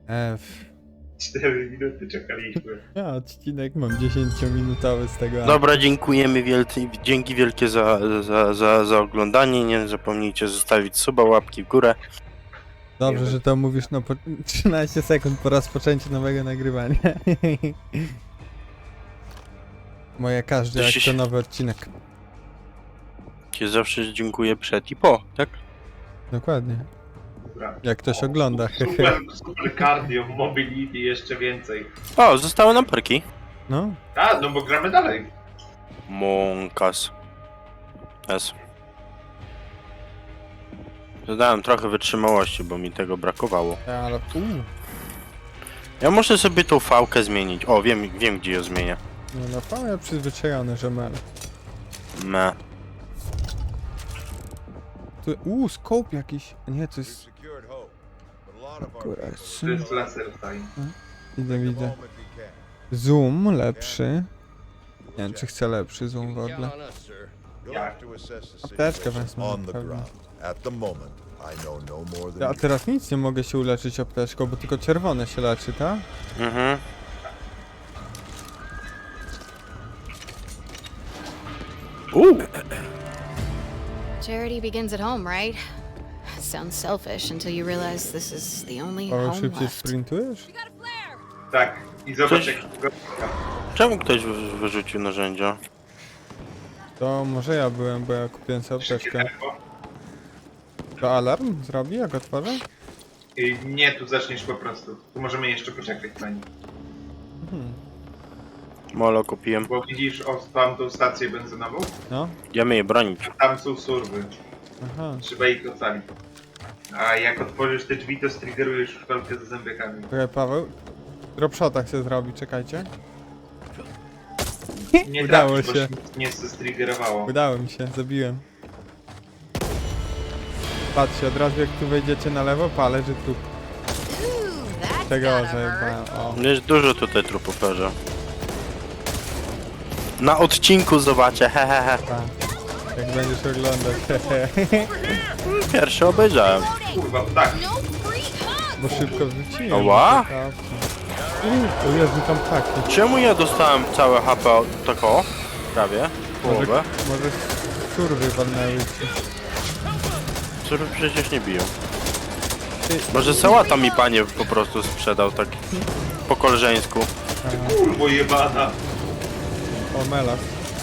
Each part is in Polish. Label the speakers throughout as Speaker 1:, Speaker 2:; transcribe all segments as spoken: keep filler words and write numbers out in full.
Speaker 1: F.
Speaker 2: cztery minuty czekaliśmy.
Speaker 1: Ja odcinek mam dziesięciominutowy z tego.
Speaker 3: Dobra, dziękujemy wielce, dzięki wielkie za, za, za, za oglądanie. Nie zapomnijcie zostawić suba, łapki w górę.
Speaker 1: Dobrze, że to mówisz na po... trzynaście sekund po rozpoczęciu nowego nagrywania. Moje każdy
Speaker 3: To
Speaker 1: jak
Speaker 3: się-
Speaker 1: to nowy odcinek.
Speaker 3: Cię zawsze dziękuję przed i po, tak?
Speaker 1: Dokładnie.
Speaker 2: Dobra.
Speaker 1: Jak ktoś ogląda, hehe.
Speaker 2: Super, super cardio, mobility jeszcze więcej.
Speaker 3: O, zostały nam perki.
Speaker 1: No,
Speaker 2: A, no bo gramy dalej.
Speaker 3: Monkas. S. Dodałem trochę wytrzymałości, bo mi tego brakowało.
Speaker 1: ale... Uuu.
Speaker 3: Ja muszę sobie tą fałkę zmienić. O, wiem, wiem gdzie ją zmienię.
Speaker 1: No na pewno ja przyzwyczajony, że mel.
Speaker 3: Me.
Speaker 1: Tu... Uuu, scope jakiś. Nie, to jest... Kurwa,
Speaker 2: To jest laser time.
Speaker 1: widzę, widzę. Zoom lepszy. Nie wiem, czy chcę lepszy zoom w ogóle. Apteczkę wezmę,
Speaker 4: on the
Speaker 1: pewnie.
Speaker 4: ground. At the moment, I know no more than
Speaker 1: A
Speaker 4: you.
Speaker 1: teraz nic nie mogę się uleczyć apteczką, bo tylko czerwone się leczy, tak?
Speaker 3: Mhm. Uuu.
Speaker 5: Charity begins at home, right? Sounds selfish until you realize this is the only
Speaker 1: Paweł,
Speaker 5: home
Speaker 1: szybciej
Speaker 5: left.
Speaker 1: sprintujesz?
Speaker 2: Tak, i zobacz
Speaker 3: Coś-
Speaker 2: jak go...
Speaker 3: Czemu ktoś wy- wyrzucił narzędzia?
Speaker 1: To może ja byłem, bo ja kupiłem sobie
Speaker 2: Szybkie
Speaker 1: apteczkę.
Speaker 2: tempo.
Speaker 1: To alarm zrobi, jak otworzę?
Speaker 2: I nie, tu zaczniesz po prostu. Tu możemy jeszcze poczekać na nim.
Speaker 1: Mhm.
Speaker 3: Molo kupiłem.
Speaker 2: Bo widzisz o tamtą stację benzynową?
Speaker 1: No,
Speaker 3: Idziemy je bronić.
Speaker 2: Tam są surwy.
Speaker 1: aha.
Speaker 2: Trzeba ich ocalić. A jak otworzysz te drzwi, to striggerujesz felkę ze zębiakami.
Speaker 1: Czekaj, Paweł. Dropshota chcę zrobić, czekajcie.
Speaker 2: Nie
Speaker 1: Udało
Speaker 2: trafisz, bo
Speaker 1: się.
Speaker 2: nic nie striggerowało.
Speaker 1: Udało mi się, zabiłem. Patrzcie, od razu jak tu wejdziecie na lewo, palę, że trup.
Speaker 5: Ooh, that's
Speaker 1: Tego
Speaker 5: gotta hurt.
Speaker 1: zajebałem, o.
Speaker 3: Jest dużo tutaj trupów leży. Na odcinku zobaczę, hehehe.
Speaker 1: Tak. Jak będziesz oglądać,
Speaker 3: Pierwszy obejrzałem.
Speaker 2: Kurwa, tak.
Speaker 5: No free hugs!
Speaker 1: bo szybko wrzuciłem.
Speaker 3: Ała?
Speaker 1: Taka opcja. Uuu, o Jezu, tam ptaki.
Speaker 3: Czemu ja dostałem całe H P od tako? Prawie.
Speaker 1: Może,
Speaker 3: Połowę.
Speaker 1: może surwy walnęły ci.
Speaker 3: Które przecież nie biją.
Speaker 1: Ty,
Speaker 3: Może sałata mi panie po prostu sprzedał tak po koleżeńsku.
Speaker 2: Kurwo jebana.
Speaker 1: o, melas.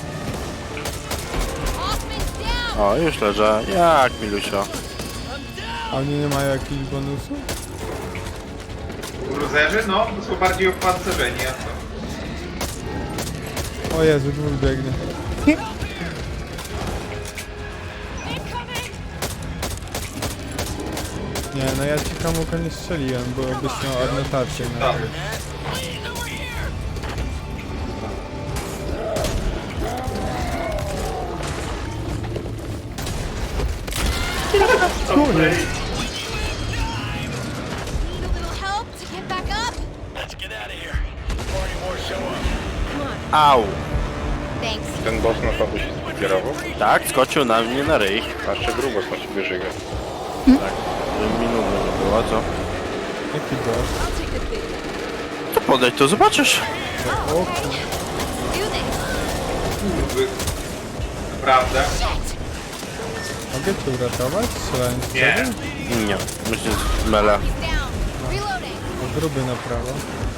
Speaker 5: Hoffman's down!
Speaker 3: O, już leżę. Jak milusio.
Speaker 1: A oni nie mają jakichś bonusów?
Speaker 2: Cruzerzy? No, to są bardziej opancerzeni, a co?
Speaker 1: O Jezu, dwóch biegnie. Nie, no ja ci komuś nie strzeliłem, bo byś miał adnotację na
Speaker 2: Tak.
Speaker 1: to. Kurde.
Speaker 5: Need a little help to get back up?
Speaker 3: Au.
Speaker 5: Thanks.
Speaker 6: Ten boss na pewno się skierował,
Speaker 3: Tak, skoczył na mnie na ryj.
Speaker 6: a jeszcze grubos na siebie żyga.
Speaker 3: Tak. Minutę nie było, co?
Speaker 1: Jaki boss?
Speaker 5: I'll take the big one.
Speaker 3: To podejdź, to zobaczysz.
Speaker 1: O,
Speaker 5: Do this.
Speaker 2: Kurwy. Naprawdę?
Speaker 1: mogę cię uratować? Strzelając w
Speaker 2: Nie.
Speaker 1: ciebie?
Speaker 3: Nie, myślę, że mele.
Speaker 5: He's down. Reloading.
Speaker 1: O, gruby na prawo.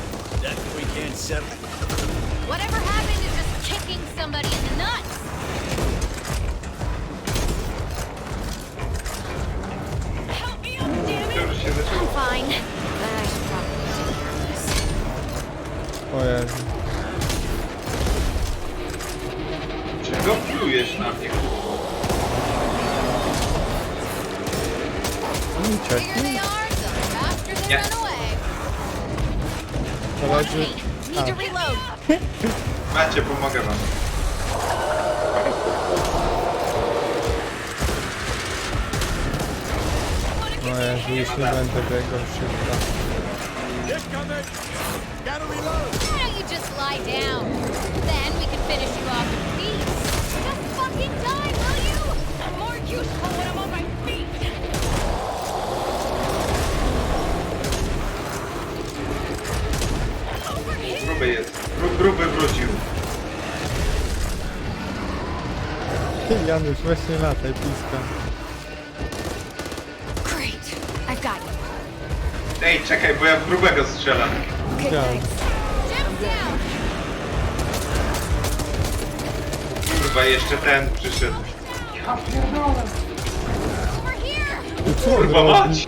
Speaker 5: Whatever happened to just kicking somebody in the nuts? Help me up, damn it!
Speaker 2: Dobrze się zaczęło.
Speaker 5: I'm fine. But I should probably take this.
Speaker 1: O Jezu.
Speaker 2: Czego plujesz na mnie, kurwo?
Speaker 1: Oni
Speaker 5: Here
Speaker 1: uciekli?
Speaker 5: they are, the faster they
Speaker 2: Yeah.
Speaker 5: run away.
Speaker 1: Koledzy...
Speaker 5: Need to reload.
Speaker 2: Macie, pomogę wam.
Speaker 1: O Jezu, już nie będę biegał szybko.
Speaker 5: Why don't you just lie down? Then we can finish you off in peace. Just fucking die, will you? I'm more useful when I'm on my feet.
Speaker 2: gruby jest. Gru, gruby wrócił.
Speaker 1: Janusz, właśnie lataj, blisko.
Speaker 5: Great. I've got you.
Speaker 2: Ej, czekaj, bo ja w grubego strzelam.
Speaker 5: Okay,
Speaker 1: Widziałem.
Speaker 5: thanks. Jim's down.
Speaker 2: Chyba jeszcze ten przyszedł. Ja pierdolę.
Speaker 5: Over here.
Speaker 1: Co on
Speaker 2: Kurwa
Speaker 1: robi?
Speaker 2: mać!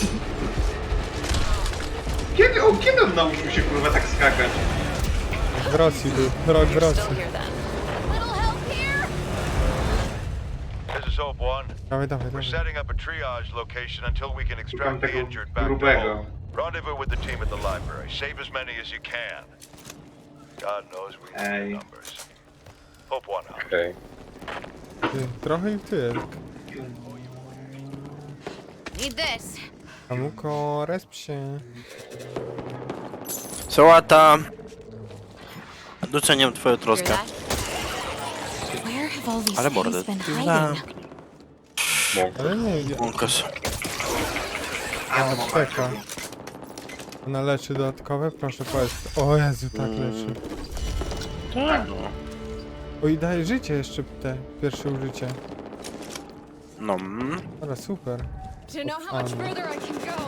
Speaker 2: Kiedy, o, kiedy on nauczył się kurwa tak skakać?
Speaker 1: W Rosji był, rok w Rosji.
Speaker 5: Little help here.
Speaker 7: This is Hope One.
Speaker 1: Dawaj, dawaj,
Speaker 7: We're
Speaker 1: dawaj.
Speaker 7: setting up a triage location until we can
Speaker 2: Szukam
Speaker 7: extract the
Speaker 2: tego
Speaker 7: injured back to
Speaker 2: grubego.
Speaker 7: home. Rendezvous with the team at the library. Save as many as you can. God knows we need
Speaker 2: Ej.
Speaker 7: numbers. Hope One out.
Speaker 6: Okej.
Speaker 1: Ty, trochę i ty.
Speaker 5: Need this.
Speaker 1: Amuko, resp się.
Speaker 3: Sałata. Doceniam twoją
Speaker 5: Hear
Speaker 3: troskę.
Speaker 5: that? Where have all these
Speaker 3: Ale
Speaker 5: things
Speaker 3: mordę.
Speaker 5: been
Speaker 3: Ty
Speaker 5: hiding?
Speaker 6: Mąka.
Speaker 1: Ale nie, ja-
Speaker 3: Łąkas.
Speaker 2: Ja to mam
Speaker 1: apteka. Ona leczy dodatkowe? Proszę powiedz. O Jezu, tak leczy.
Speaker 3: Tak, no.
Speaker 1: O i daje życie jeszcze te pierwsze użycie.
Speaker 3: No. mm.
Speaker 1: Ale super.
Speaker 5: To know how much
Speaker 1: Fun.
Speaker 5: further I can go.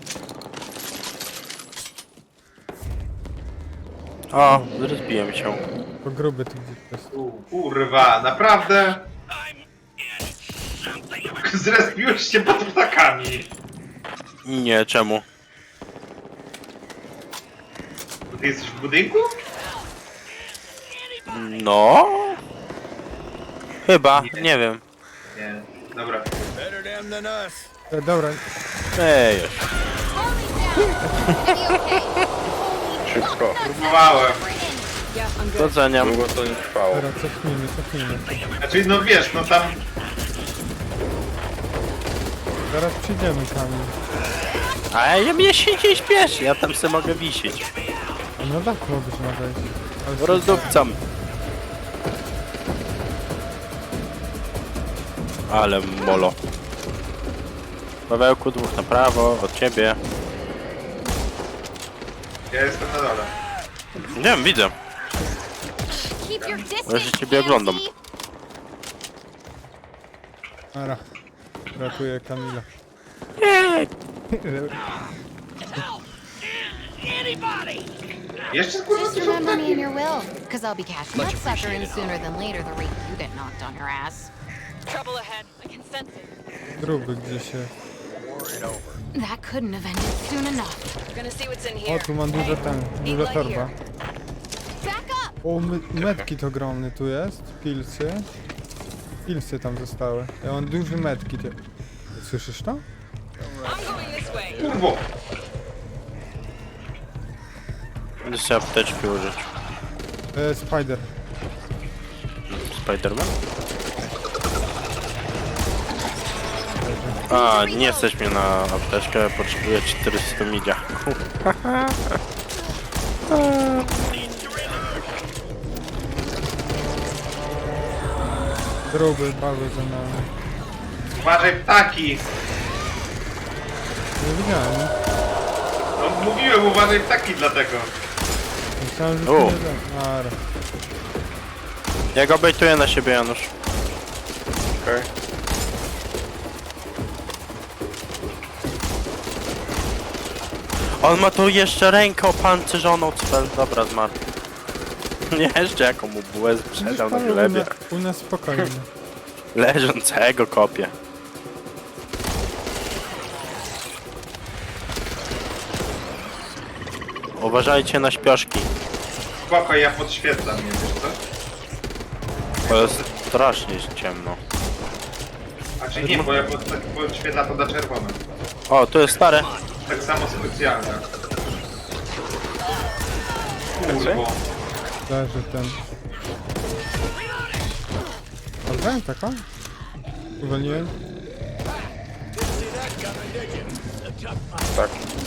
Speaker 3: O, rozbiłem się.
Speaker 1: Bo gruby tu gdzieś jest.
Speaker 2: U, kurwa, naprawdę? Zrespiłeś się pod ptakami.
Speaker 3: Nie, czemu?
Speaker 2: Bo ty jesteś w budynku?
Speaker 3: No. Chyba, nie wiem.
Speaker 2: Nie, dobra.
Speaker 4: Better them than us.
Speaker 1: E, dobra,
Speaker 3: Ej,
Speaker 5: Harley's down. Is he okay?
Speaker 6: Szybko.
Speaker 2: Próbowałem.
Speaker 3: doceniam.
Speaker 6: Długo to nie trwało.
Speaker 1: dobra, cofnijmy, cofnijmy.
Speaker 2: Znaczy, no wiesz, no tam...
Speaker 1: Zaraz przyjdziemy sami.
Speaker 3: A ja mnie się nie śpieszy, ja tam se mogę wisieć.
Speaker 1: A no tak mogłeś ma wejść. Ale super.
Speaker 3: Rozdupcam. Ale molo. Pawełku, dwóch na prawo, od ciebie.
Speaker 2: Ja jestem na dole.
Speaker 3: Nie wiem, widzę.
Speaker 5: Keep your
Speaker 3: Ja
Speaker 5: distance,
Speaker 3: się ciebie oglądam.
Speaker 5: Pansy.
Speaker 1: Ara. Ratuję Kamila.
Speaker 2: Jeszcze kurwa
Speaker 5: Just
Speaker 2: coś
Speaker 5: remember me in
Speaker 2: ptaki.
Speaker 5: your will, because I'll be cashing that sucker in sooner than later the rate you get knocked on your ass.
Speaker 8: Trouble ahead. I can sense it.
Speaker 1: Gruby gdzieś jest.
Speaker 5: That couldn't have ended soon enough.
Speaker 8: Gonna see what's in
Speaker 1: O,
Speaker 8: here.
Speaker 1: tu mam dużo ten, duża torba.
Speaker 5: Back up!
Speaker 1: O, my, medkit ogromny tu jest. Pilsy. Pilsy tam zostały. Ja mam duży medkit. Słyszysz to?
Speaker 8: I'm going this way.
Speaker 2: Kurwo.
Speaker 3: Będę sobie apteczki użyć.
Speaker 1: E, spider.
Speaker 3: Spiderman? A, nie stać mnie na apteczkę, potrzebuję czterysta midia.
Speaker 1: Gruby, bały za nami.
Speaker 2: Uważaj ptaki.
Speaker 1: Nie widziałem.
Speaker 2: No mówiłem, uważaj ptaki dlatego.
Speaker 1: Myślałem, że
Speaker 3: O.
Speaker 1: to nie da. Ara.
Speaker 3: Ja go bejtuję na siebie, Janusz.
Speaker 6: Okej.
Speaker 3: On ma tu jeszcze rękę opancerzoną, cel. Dobra, zmarł. Nie, jeszcze jaką mu bułę sprzedał na
Speaker 1: Ale u,
Speaker 3: glebie.
Speaker 1: na, u nas spokojnie.
Speaker 3: Leżącego kopię. Uważajcie na śpioszki.
Speaker 2: Spoko, ja podświetlam, nie wiesz co?
Speaker 3: To jest strasznie ciemno.
Speaker 2: Znaczy nie, bo ja pod, tak podświetla to na czerwono.
Speaker 3: O, tu jest stare.
Speaker 2: Tak samo specjalne. Kurwo.
Speaker 1: Leży ten. Odbrałem taką? Uwolniłem?
Speaker 6: Tak.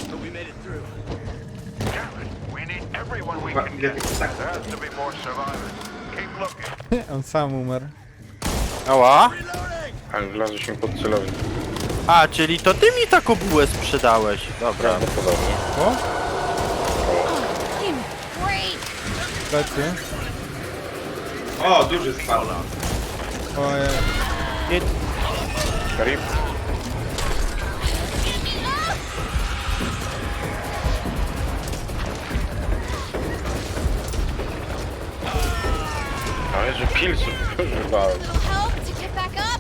Speaker 7: We need everyone we
Speaker 2: Kurwa,
Speaker 7: can
Speaker 2: ile
Speaker 7: get.
Speaker 2: tych ptaków.
Speaker 7: There has to be more survivors. Keep looking.
Speaker 1: On sam umarł.
Speaker 3: Ała?
Speaker 6: Ale wlazłeś mi pod celownik.
Speaker 3: A, czyli to ty mi taką bułę sprzedałeś. Dobra.
Speaker 6: Prawdopodobnie.
Speaker 1: O!
Speaker 5: Damn it. Break!
Speaker 1: Plecy.
Speaker 2: O, duży spadł.
Speaker 1: Ojej.
Speaker 6: Rip. Ale że pilsów używałem.
Speaker 5: Little help to get back up.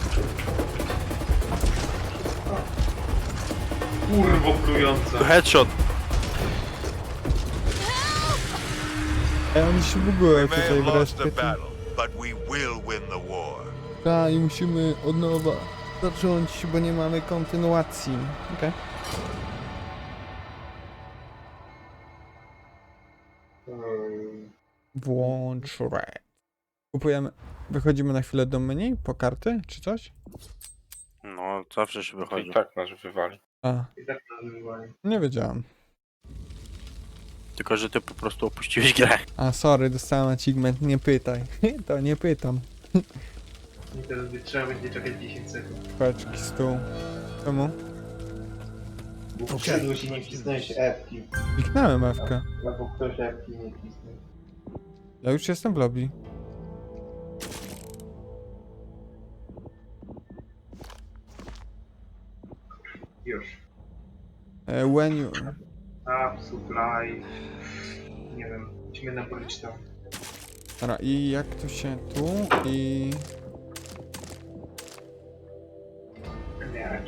Speaker 2: Kurwo plujące.
Speaker 3: Headshot.
Speaker 1: Ej, oni się bugują
Speaker 4: We may
Speaker 1: tutaj
Speaker 4: have lost
Speaker 1: wreszcie.
Speaker 4: the battle, but we will win the war.
Speaker 1: Tak, i musimy od nowa zacząć, bo nie mamy kontynuacji. Okej.
Speaker 2: Hmm.
Speaker 1: Włącz red. Kupujemy. Wychodzimy na chwilę do menu po karty, czy coś?
Speaker 3: No, zawsze się wychodzi.
Speaker 6: I tak nas wywali.
Speaker 1: A,
Speaker 2: I tak nazywali.
Speaker 1: nie wiedziałem.
Speaker 3: Tylko, że ty po prostu opuściłeś grę.
Speaker 1: A, sorry, dostałem achievement, nie pytaj. To nie pytam.
Speaker 2: I teraz by trzeba będzie czekać dziesięć sekund.
Speaker 1: Paczki, stół. Czemu?
Speaker 2: Bo przyszedł się nie wcisnąłeś epki.
Speaker 1: Kliknąłem F-kę.
Speaker 2: Albo ktoś epki nie wcisnął.
Speaker 1: Ja już jestem w lobby.
Speaker 2: Już.
Speaker 1: E, when you...
Speaker 2: Up, supply. Nie wiem. Musimy napolić to.
Speaker 1: Dobra, i jak to się tu i...
Speaker 2: Nie.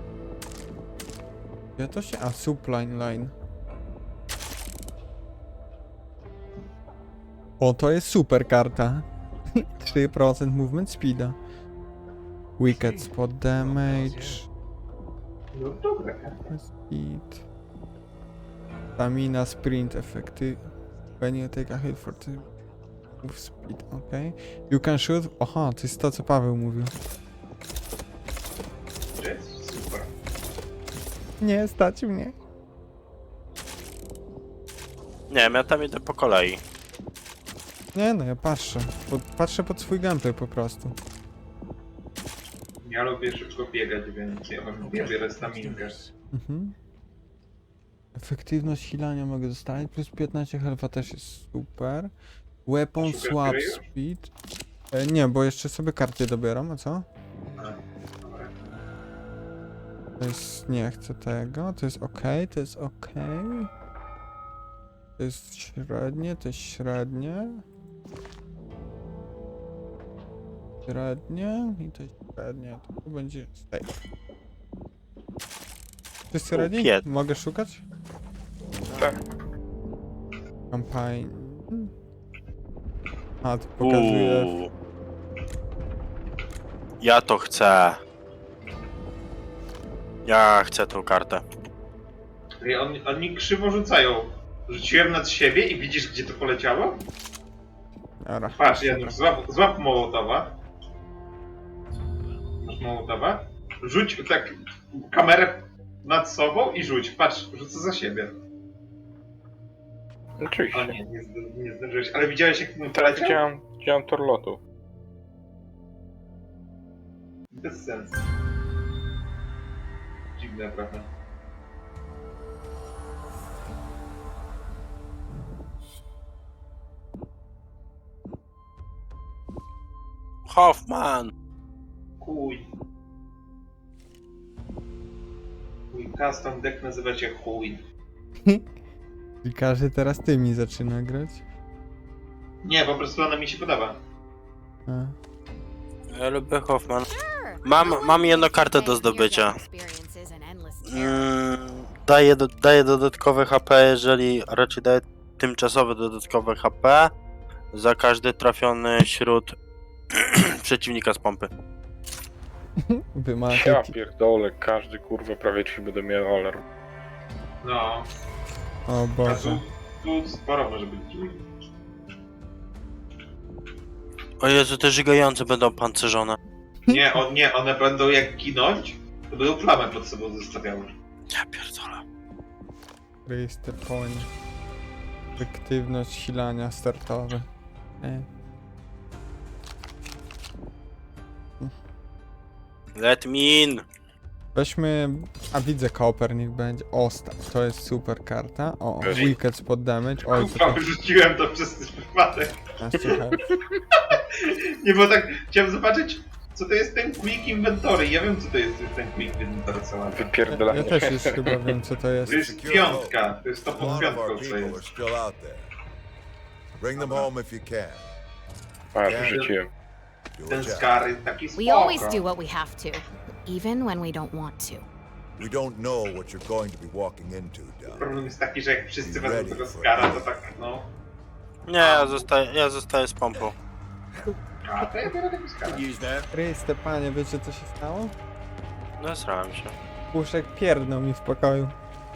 Speaker 1: Ja to się... A, supply line. O, to jest super karta. trzy procent movement speeda. Wicked spot damage.
Speaker 2: No dobra.
Speaker 1: Speed. Stamina, sprint, effective. When you take a hit for the move speed, ok. You can shoot. Aha, to jest to, co Paweł mówił.
Speaker 2: To jest super.
Speaker 1: Nie, stać mnie.
Speaker 3: Nie wiem, ja tam idę po kolei.
Speaker 1: Nie no, ja patrzę. Po, patrzę pod swój gameplay po prostu.
Speaker 2: Ja lubię szybko biegać, więc ja mam ja biorę staminkę.
Speaker 1: Mhm. Efektywność hilania mogę dostać, plus piętnaście health'a też jest super. Weapon
Speaker 2: Szukasz
Speaker 1: swap
Speaker 2: gry już?
Speaker 1: speed. E, nie, bo jeszcze sobie karty dobieram, a co?
Speaker 2: A, dobra.
Speaker 1: To jest, nie chcę tego, to jest ok, to jest ok. To jest średnie, to jest średnie. Średnie i to jest średnie, to będzie safe. Wszyscy ready?
Speaker 3: pięć.
Speaker 1: Mogę szukać?
Speaker 6: Tak.
Speaker 1: Campaign. A, to pokazuje.
Speaker 3: Uuu. Ja to chcę. Ja chcę tą kartę.
Speaker 2: Ej, on, oni krzywo rzucają. Rzuciłem nad siebie i widzisz, gdzie to poleciało?
Speaker 1: Ara.
Speaker 2: Patrz, Janusz, złap, złap Mołotowa. Masz Mołotowa? Rzuć tak kamerę nad sobą i rzuć. Patrz, rzucę za siebie. O
Speaker 6: Oczywiście.
Speaker 2: nie, nie, zd- nie zdążyłeś. Ale widziałeś, jak mu
Speaker 6: Tak,
Speaker 2: poleciał?
Speaker 6: widziałem, widziałem tor lotu.
Speaker 2: Bez sensu. Dziwne, prawda?
Speaker 3: Hoffman!
Speaker 2: Chuj. Mój custom deck nazywa się chuj.
Speaker 1: I każdy teraz tymi zaczyna grać.
Speaker 2: Nie, po prostu ona mi się podoba.
Speaker 1: A.
Speaker 3: Ja lubię Hoffman.
Speaker 5: Sure.
Speaker 3: Mam,
Speaker 5: I don't
Speaker 3: mam
Speaker 5: like
Speaker 3: jedną
Speaker 5: these
Speaker 3: kartę do
Speaker 5: ten-year
Speaker 3: zdobycia.
Speaker 5: experiences and endless terror.
Speaker 3: Mm, daję, do, daję dodatkowe H P, jeżeli a raczej daję tymczasowe dodatkowe H P za każdy trafiony śród przeciwnika z pompy.
Speaker 1: Wy macie...
Speaker 6: Ja pierdolę, każdy kurwa prawie ci będę miał alarm.
Speaker 2: No,
Speaker 1: O
Speaker 2: a
Speaker 1: Boże.
Speaker 2: tu, tu sporo może być dziur.
Speaker 3: O Jezu, te żygające będą pancerzone.
Speaker 2: Nie, on, nie, one będą jak ginąć, to będą flamę pod sobą zostawiały.
Speaker 3: Ja pierdolę.
Speaker 1: Register point. Efektywność silania startowe. E.
Speaker 3: Let me in!
Speaker 1: Weźmy... A widzę Copper, niech będzie. O, sta- to jest super karta. O,
Speaker 6: Weź.
Speaker 1: Wicked spod damage. Oj, to
Speaker 2: Kurwa, wyrzuciłem to przez przypadek.
Speaker 1: piętnaście health.
Speaker 2: Nie, bo tak chciałem zobaczyć, co to jest ten Quick Inventory. Ja wiem, co to jest ten Quick Inventory, co mam.
Speaker 1: Ja,
Speaker 6: Wypierdalanie.
Speaker 1: ja też już chyba wiem, co to jest.
Speaker 2: To jest piątka, to jest to pod
Speaker 4: None of our
Speaker 2: piątką, co
Speaker 4: people are
Speaker 2: jest.
Speaker 4: still out there. Bring them home if you can.
Speaker 6: A, wyrzuciłem.
Speaker 4: Do
Speaker 2: Ten
Speaker 4: a job.
Speaker 2: Skar jest taki
Speaker 5: We always do
Speaker 2: spoko.
Speaker 5: what we have to, even when we don't want to.
Speaker 4: We don't know what you're going to be walking into, Doug.
Speaker 2: Problem jest taki, że jak wszyscy wezmą tego Skara, to tak, no...
Speaker 3: Nie, ja zostaję, ja zostaję z pompą.
Speaker 2: A, to ja biorę tego Skara.
Speaker 1: Chryste, panie, wiecie co się stało?
Speaker 3: No, srałem się.
Speaker 1: Puszek pierdnął mi w pokoju.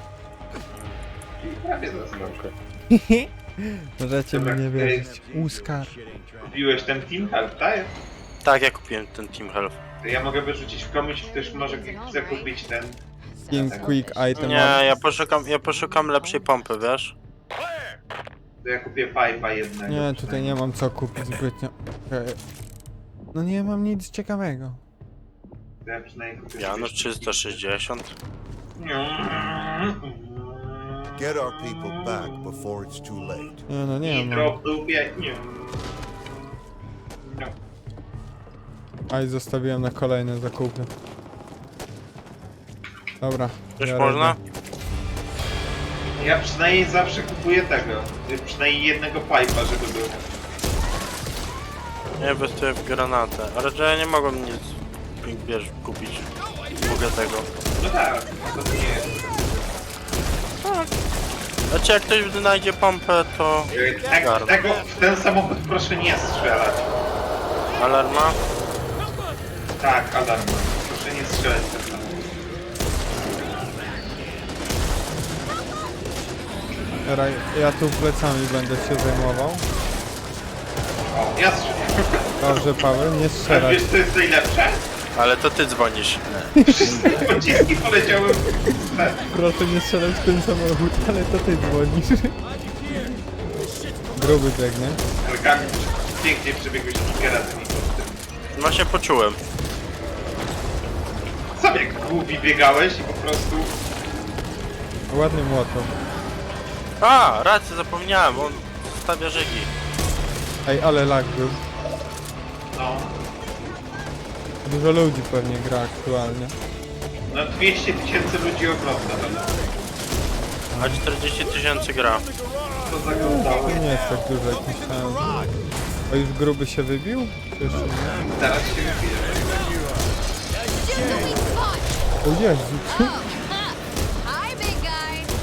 Speaker 2: Prawie został.
Speaker 1: Możecie mi
Speaker 2: Dobra,
Speaker 1: nie
Speaker 2: ej.
Speaker 1: wierzyć. Uskar.
Speaker 2: Kupiłeś ten Team Health, tak?
Speaker 3: Tak, ja kupiłem ten Team Health.
Speaker 2: To ja mogę wyrzucić komuś, ktoś może chce kupić ten...
Speaker 1: Team Quick Item.
Speaker 3: Nie, ja poszukam, ja poszukam lepszej pompy, wiesz?
Speaker 2: To ja kupię Pipe'a jednego.
Speaker 1: Nie, tutaj nie mam co kupić zbytnio. Okej. No nie mam nic ciekawego.
Speaker 2: To ja przynajmniej kupię...
Speaker 3: Janusz trzysta sześćdziesiąt.
Speaker 4: Get our people back before it's too late.
Speaker 1: Nie no, nie
Speaker 2: Nitro
Speaker 1: mam.
Speaker 2: w dupie. Nie. No.
Speaker 1: A i zostawiłem na kolejne zakupy. Dobra.
Speaker 3: Coś
Speaker 1: biorę
Speaker 3: można?
Speaker 1: go.
Speaker 2: Ja przynajmniej zawsze kupuję tego. Przynajmniej jednego Pipe'a, żeby był.
Speaker 3: Ja inwestuję w granatę, ale że ja nie mogłem nic, wiesz, kupić. Mogę tego.
Speaker 2: No tak, to nie jest.
Speaker 3: Znaczy jak ktoś znajdzie pompę, to...
Speaker 2: Tak,
Speaker 3: Garno.
Speaker 2: tego, w ten samochód proszę nie strzelać.
Speaker 3: Alarma?
Speaker 2: Tak, alarm. Proszę nie strzelać w ten samochód.
Speaker 1: Dobra, ja tu plecami będę się zajmował.
Speaker 2: O, ja strzelam.
Speaker 1: Dobrze, Paweł, nie strzelać.
Speaker 2: Wiesz co jest najlepsze?
Speaker 3: Ale to ty dzwonisz.
Speaker 2: Wszystkie pociski poleciały w ten.
Speaker 1: Proszę nie strzelać w ten samochód, ale to ty dzwonisz. Gruby biegnie.
Speaker 2: Ale Kamil, pięknie przebiegłeś kilka razy mi pod tym.
Speaker 3: Właśnie poczułem.
Speaker 2: Sam jak głupi biegałeś i po prostu...
Speaker 1: Ładny młotok.
Speaker 3: A, rację, zapomniałem, on stawia rzeki.
Speaker 1: Ej, ale lag był.
Speaker 2: No,
Speaker 1: Dużo ludzi pewnie gra aktualnie.
Speaker 2: no dwieście tysięcy ludzi ogląda. No.
Speaker 3: A czterdzieści tysięcy gra.
Speaker 2: To zaglądało.
Speaker 1: To nie jest tak dużo jak myślałem. A już gruby się wybił? Czy jeszcze nie?
Speaker 2: Zaraz się wybije.
Speaker 5: Just a weak spot.
Speaker 1: O Jezu,
Speaker 5: Oh, huh. Hi, big guy.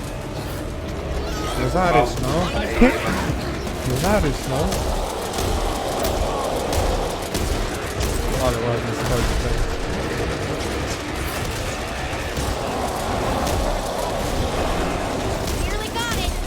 Speaker 1: no zarys no. No zarys no. Ale ładnie schodzi tutaj.
Speaker 5: Nearly got it.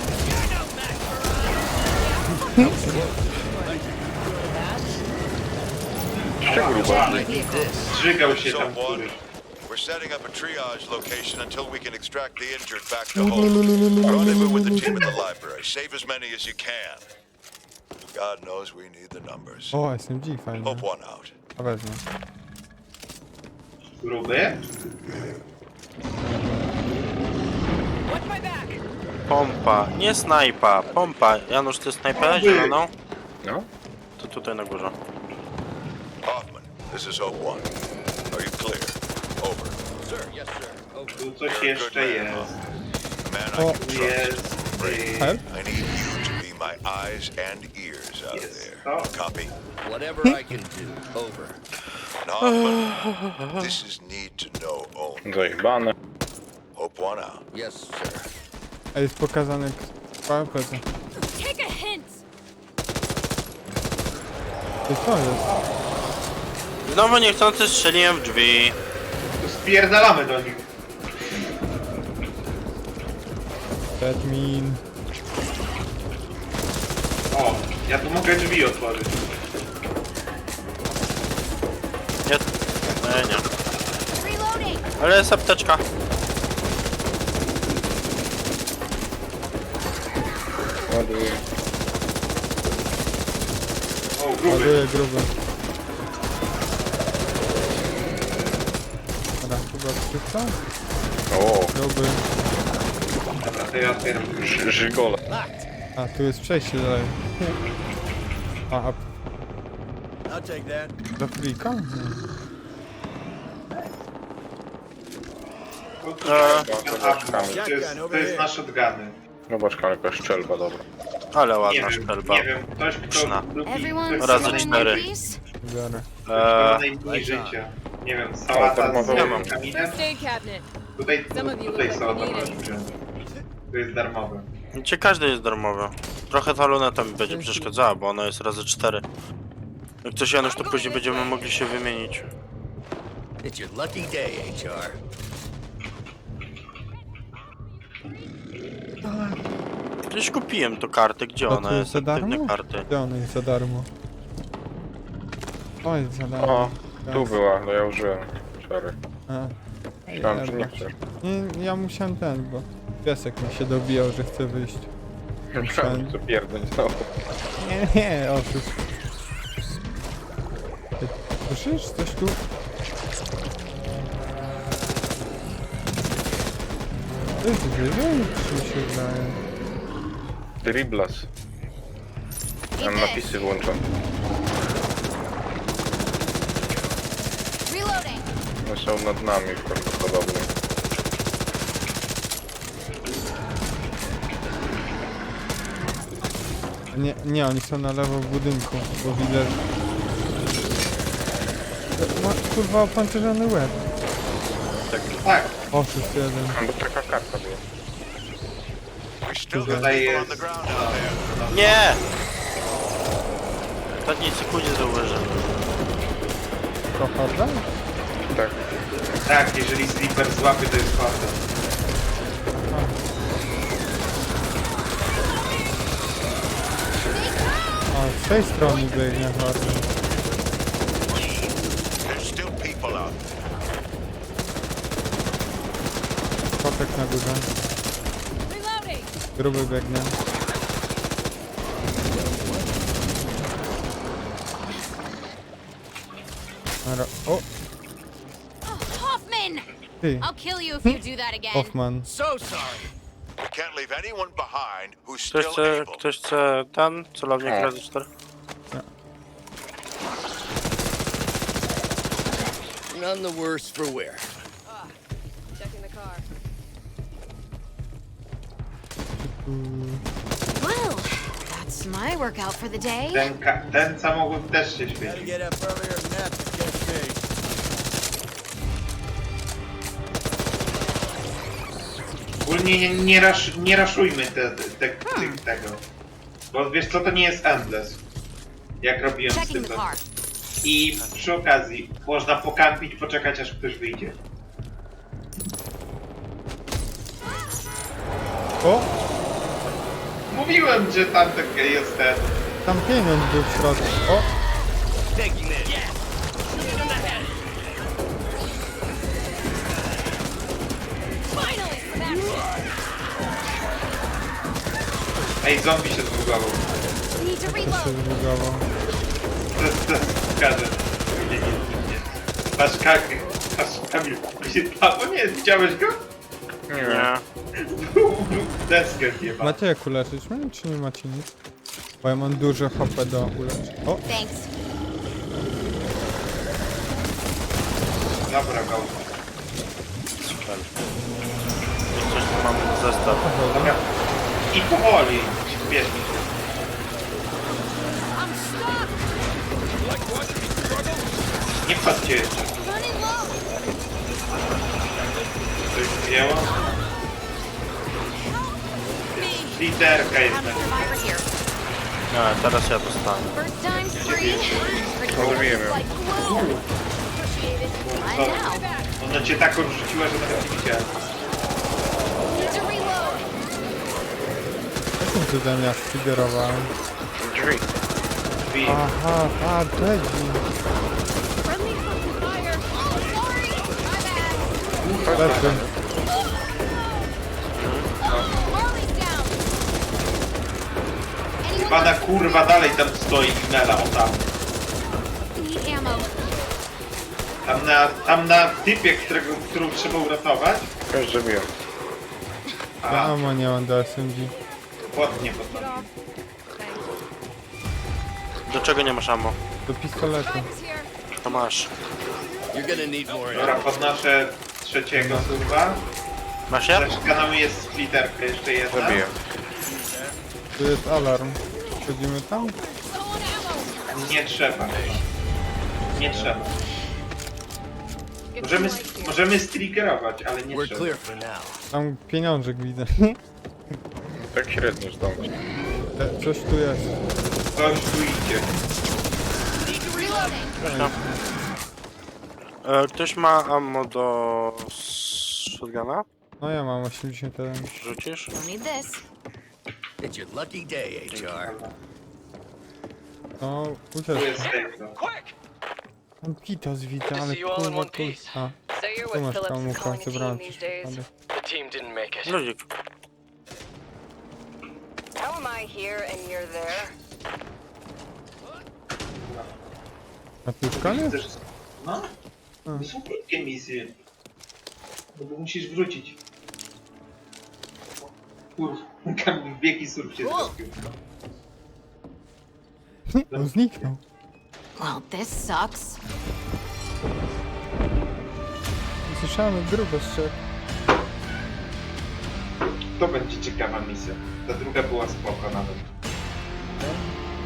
Speaker 2: Zżygał się tam
Speaker 7: So one,
Speaker 2: któryś.
Speaker 7: we're setting up a triage location until we can extract the injured back to home. Rendezvous with the team at the library. Save as many as you can. God knows we need the numbers.
Speaker 1: O, S M G fajnie.
Speaker 7: Hope one out.
Speaker 1: A wezmę.
Speaker 2: Gruby?
Speaker 8: Watch my back.
Speaker 3: Pompa, nie snajpa, pompa. Janusz, ty snajpę zieloną?
Speaker 6: No?
Speaker 3: To tutaj na górze.
Speaker 7: Hoffman, this is Hope One. Are you clear? Over.
Speaker 2: Tu coś
Speaker 7: You're a good
Speaker 2: jeszcze
Speaker 7: man,
Speaker 2: jest.
Speaker 7: Hoffman. A man I
Speaker 1: O.
Speaker 7: can trust.
Speaker 2: Jest... y,
Speaker 1: Help?
Speaker 7: I need you to be my eyes and ears out
Speaker 2: Yes.
Speaker 7: there.
Speaker 2: Oh.
Speaker 7: Copy?
Speaker 9: Whatever I can do. Over.
Speaker 7: And Hoffman, this is need to know only.
Speaker 6: Zajebane.
Speaker 7: Hope One out.
Speaker 9: Yes, sir.
Speaker 1: A jest pokazany k- plecy.
Speaker 5: Take a hint.
Speaker 1: Ty co jest?
Speaker 3: Znowu niechcący strzeliłem w drzwi.
Speaker 2: Tu spierdalamy do nich.
Speaker 1: Admin.
Speaker 2: O, ja tu mogę drzwi otworzyć.
Speaker 3: Nie, nie, nie.
Speaker 5: Reloading.
Speaker 3: Ale jest apteczka.
Speaker 6: Ładuję.
Speaker 2: O, gruby.
Speaker 1: Ładuję gruby. Dobra, Chyba skrypta?
Speaker 6: O,
Speaker 1: Dobry.
Speaker 2: Dobra, to ja otwieram.
Speaker 6: ży- żygole.
Speaker 1: A, tu jest przejście dalej. A, a
Speaker 9: I'll take that.
Speaker 1: do frika? Nie.
Speaker 2: A,
Speaker 6: Eee.
Speaker 2: to jest, to jest na shotguny.
Speaker 6: Zobacz, kam jakaś szczelba, dobra.
Speaker 3: Ale
Speaker 2: Nie
Speaker 3: ładna
Speaker 2: wiem,
Speaker 3: szczelba.
Speaker 2: nie wiem, ktoś kto
Speaker 3: Pyszna.
Speaker 2: lubi...
Speaker 5: Everyone
Speaker 2: ktoś,
Speaker 3: Razy
Speaker 2: kto
Speaker 5: still in
Speaker 3: cztery.
Speaker 5: one piece?
Speaker 1: Biorę.
Speaker 2: Ktoś, kto
Speaker 3: Eee,
Speaker 2: najmniej życia. Nie wiem,
Speaker 6: O,
Speaker 2: sałata
Speaker 6: darmowe
Speaker 2: z
Speaker 6: mam.
Speaker 2: kaminem.
Speaker 8: First aid cabinet.
Speaker 2: Tutaj,
Speaker 8: Some of you
Speaker 2: tutaj
Speaker 8: look
Speaker 2: są
Speaker 8: like you
Speaker 2: dobre
Speaker 8: need it.
Speaker 2: rzeczy. Tu jest darmowe.
Speaker 3: Gdzie każdy jest darmowy. Trochę ta luneta mi będzie przeszkadzała, bo ona jest razy cztery. Jak coś Janusz, to później będziemy mogli się wymienić.
Speaker 9: It's your lucky day, H R.
Speaker 3: Gdzieś kupiłem tą kartę, gdzie
Speaker 1: A
Speaker 3: ona
Speaker 1: tu
Speaker 3: jest?
Speaker 1: za darmo?
Speaker 3: Aktywne karty.
Speaker 1: Gdzie ona jest za darmo? O, jest za darmo.
Speaker 6: O, tu była, no ja użyłem. Sorry.
Speaker 1: A.
Speaker 6: Myślałem, że nie
Speaker 1: Jeba.
Speaker 6: chcesz.
Speaker 1: Nie, ja musiałem ten, bo piesek mi się dobijał, że chce wyjść.
Speaker 6: Myślałem, że co pierdolę znowu.
Speaker 1: Nie, nie, otóż. Ty słyszysz coś tu? To jest wyżej, czy mi się wydaje?
Speaker 6: Driblas. Mam napisy włączone.
Speaker 5: Reloading.
Speaker 6: One są nad nami prawdopodobnie.
Speaker 1: Nie, nie, oni są na lewo w budynku, bo widzę... Ma kurwa opancerzony łeb.
Speaker 2: Tak,
Speaker 1: Oszust jeden.
Speaker 6: A, bo taka karta była.
Speaker 7: We still got
Speaker 2: tutaj
Speaker 7: people on
Speaker 2: jest...
Speaker 7: the ground out there.
Speaker 3: Nie! W ostatniej sekundzie zauważyłem.
Speaker 1: To harda?
Speaker 6: Tak.
Speaker 2: Tak, jeżeli Sleeper złapie, to jest horda.
Speaker 1: A, z tej strony biegnie harda.
Speaker 7: There's still people out there.
Speaker 1: Kotek na górze.
Speaker 5: Reloading.
Speaker 1: Gruby biegnie. Ara- O,
Speaker 5: Oh, Hoffman!
Speaker 1: ty,
Speaker 5: I'll kill you if you do that again.
Speaker 1: Hoffman.
Speaker 9: So sorry.
Speaker 7: We can't leave anyone behind who's
Speaker 3: Ktoś
Speaker 7: still
Speaker 3: chce,
Speaker 7: able.
Speaker 3: ktoś chce ten celownik
Speaker 6: O.
Speaker 3: razy cztery?
Speaker 9: None the worse for wear.
Speaker 8: Checking the car.
Speaker 5: Well, that's my workout for the day.
Speaker 2: Ten, ka- ten samochód też się
Speaker 9: Gotta
Speaker 2: świeci.
Speaker 9: get up earlier than that to catch me.
Speaker 2: Ogólnie nie, nie, rasz, nie raszujmy te, te, te, tych- tego. Bo wiesz co, to nie jest endless. Jak robiłem z tym.
Speaker 5: Checking the car.
Speaker 2: I przy okazji można pokampić, poczekać aż ktoś wyjdzie.
Speaker 1: O,
Speaker 2: Mówiłem, że tam takie jest ten.
Speaker 1: tam pieniądz był w środku. O,
Speaker 9: Taking this.
Speaker 5: Finally, some action.
Speaker 2: Ej, zombie się zbugował.
Speaker 5: Need to
Speaker 1: to się
Speaker 5: reload.
Speaker 1: zbugował.
Speaker 2: To jest to jest pokażę. Nie, nie, nie. Patrz Kamil, patrz Kamil. A, o nie, widziałeś go?
Speaker 3: Nie.
Speaker 2: Deskę chyba.
Speaker 1: Macie jak uleczyć mnie, czy nie macie nic? Bo ja mam dużo H P do uleczenia. O,
Speaker 5: Thanks.
Speaker 2: Dobra, go.
Speaker 3: Super. Jak coś tu mam zestaw.
Speaker 2: Dobra. I powoli, śpiesznie.
Speaker 5: I'm stuck.
Speaker 2: Nie wchodźcie jeszcze.
Speaker 5: Running low.
Speaker 2: Coś wzięło?
Speaker 5: Me.
Speaker 2: Literka jest
Speaker 5: I'm
Speaker 2: na
Speaker 5: a survivor here.
Speaker 3: Nie, teraz ja dostanę.
Speaker 5: First time's free. Pretty cool.
Speaker 6: Rozumiem.
Speaker 5: Like glue. Appreciate it. I now.
Speaker 2: Ona cię tak odrzuciła, że nawet nie widziałem.
Speaker 5: Need to reload.
Speaker 1: jakim cudem ja sfigerowałem?
Speaker 6: Drzwi.
Speaker 2: Drzwi.
Speaker 1: Aha, a, Jedzi.
Speaker 5: Friendly fucking fire. Oh, sorry. My bad.
Speaker 1: Leczy.
Speaker 5: Harley's down. Anyone
Speaker 2: Pana kurwa dalej tam stoi i mela, o tam.
Speaker 5: need ammo?
Speaker 2: Tam na, tam na typie, którego, którą trzeba uratować.
Speaker 6: Każdy miał.
Speaker 1: Ja
Speaker 2: A,
Speaker 1: ammo nie mam do S M G.
Speaker 2: płotnie podnosi.
Speaker 3: Do czego nie masz ammo?
Speaker 1: Do pistoletu.
Speaker 5: Drive is here.
Speaker 3: To masz.
Speaker 9: You're gonna need more
Speaker 2: Dobra,
Speaker 9: ammo.
Speaker 2: podnoszę trzeciego surwa.
Speaker 3: Masz je?
Speaker 2: Za ścianą jest splitterka, jeszcze jedna.
Speaker 6: Zabiję.
Speaker 1: Tu jest alarm. Wchodzimy tam?
Speaker 5: Low on ammo.
Speaker 2: Nie trzeba. Nie trzeba.
Speaker 8: Get
Speaker 2: Możemy,
Speaker 8: some light here.
Speaker 2: możemy striggerować, ale nie
Speaker 9: We're
Speaker 2: trzeba.
Speaker 9: clear for now.
Speaker 1: Tam pieniążek widzę.
Speaker 6: Tak średnio zdążyć.
Speaker 1: E, Coś tu jest.
Speaker 2: Coś tu idzie.
Speaker 5: Reloading.
Speaker 3: E, ktoś ma ammo do shotguna?
Speaker 1: No ja mam osiemdziesiąt jeden.
Speaker 3: Rzucisz?
Speaker 5: Don't need this.
Speaker 9: It's your lucky day, H R.
Speaker 1: No,
Speaker 2: Tu
Speaker 1: uciekł.
Speaker 2: jest tego.
Speaker 1: Tam Kitos widzę, ale kurwa tu... A,
Speaker 8: Say you're
Speaker 1: tu
Speaker 8: with
Speaker 1: masz
Speaker 8: Phillips'
Speaker 1: kamuflaż,
Speaker 8: calling
Speaker 1: zebrałem
Speaker 8: team
Speaker 1: przez
Speaker 8: these days.
Speaker 1: przypadek.
Speaker 9: The team didn't make it.
Speaker 3: Ludzik.
Speaker 8: How am I here and you're there?
Speaker 1: A tu już koniec?
Speaker 2: Chcesz... No? To są krótkie misje. No bo musisz wrócić. Kurwa, wielki surf się zrobił.
Speaker 1: On zniknął.
Speaker 5: Well, this sucks.
Speaker 1: Słyszałem grubo strzep.
Speaker 2: To będzie ciekawa misja. Ta druga była spoko nawet.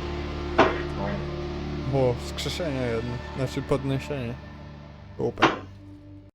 Speaker 2: No.
Speaker 1: Było wskrzeszenie jedno. Znaczy podniesienie. Super.